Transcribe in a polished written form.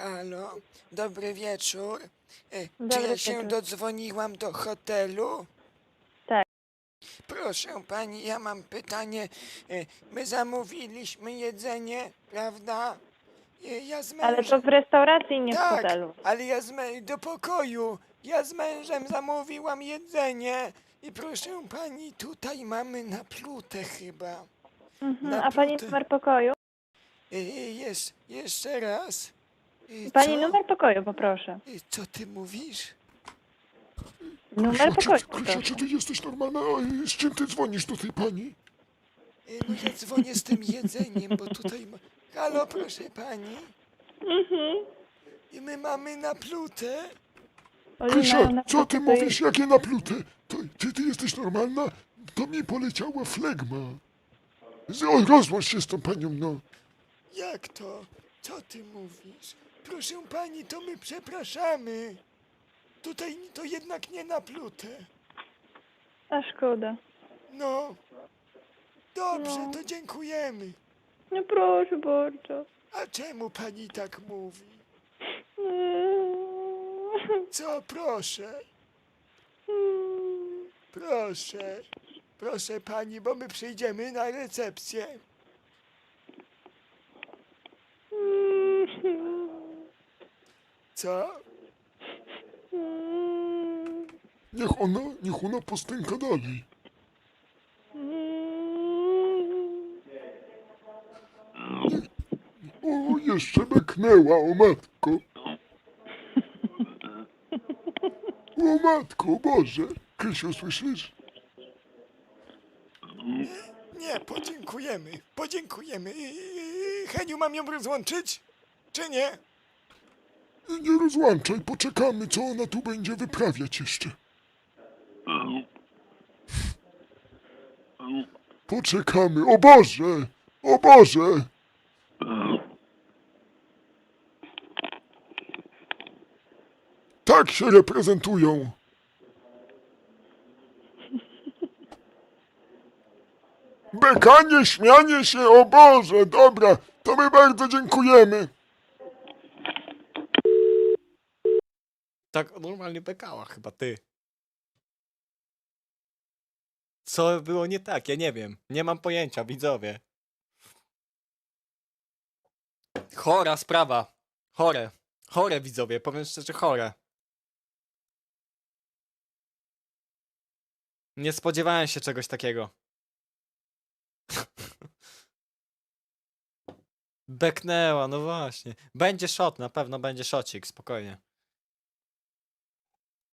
Halo, dobry wieczór. Czy Dobry ja się wieczór. dodzwoniłam do hotelu? Tak. Proszę pani, ja mam pytanie. My zamówiliśmy jedzenie, prawda? Ja z Ale to mężem... w restauracji, nie w Tak, hotelu. ale do pokoju. Ja z mężem zamówiłam jedzenie. I proszę pani, tutaj mamy naplutę chyba. A pani Naplutę. numer pokoju? Jeszcze raz. Pani Co? numer pokoju, poproszę. Co ty mówisz? Numer pokoju, Krysia, proszę. czy ty jesteś normalna? A z czym ty dzwonisz do tej pani? No ja dzwonię z tym jedzeniem, bo tutaj... Halo, proszę pani. I my mamy naplutę. Oni Krysia, mają na co ty to jest- mówisz? Jakie naplute? Ty jesteś normalna? To mi poleciała flegma. Rozłącz się z tą panią, no. Jak to? Co ty mówisz? Proszę pani, to my przepraszamy. Tutaj to jednak nie naplutę. A szkoda. No. Dobrze, No. to dziękujemy. No proszę bardzo. A czemu pani tak mówi? Co, proszę? Proszę. Proszę pani, bo my przyjdziemy na recepcję. Co? Niech ona postęka dalej. O, jeszcze beknęła, o matko. O matko, Boże. Krysiu, słyszysz? Nie, podziękujemy. Podziękujemy. Heniu, mam ją rozłączyć? Czy nie? Nie rozłączaj, poczekamy, co ona tu będzie wyprawiać jeszcze. Poczekamy, o Boże! O Boże! Tak się reprezentują. Bekanie, śmianie się, o Boże, dobra, to my bardzo dziękujemy. Tak normalnie bekała chyba, ty. Co było nie tak? Ja nie wiem. Nie mam pojęcia, widzowie. Chora sprawa. Chore. Chore, widzowie. Powiem szczerze, chore. Nie spodziewałem się czegoś takiego. Beknęła, no właśnie. Będzie shot, na pewno będzie shotcik, spokojnie.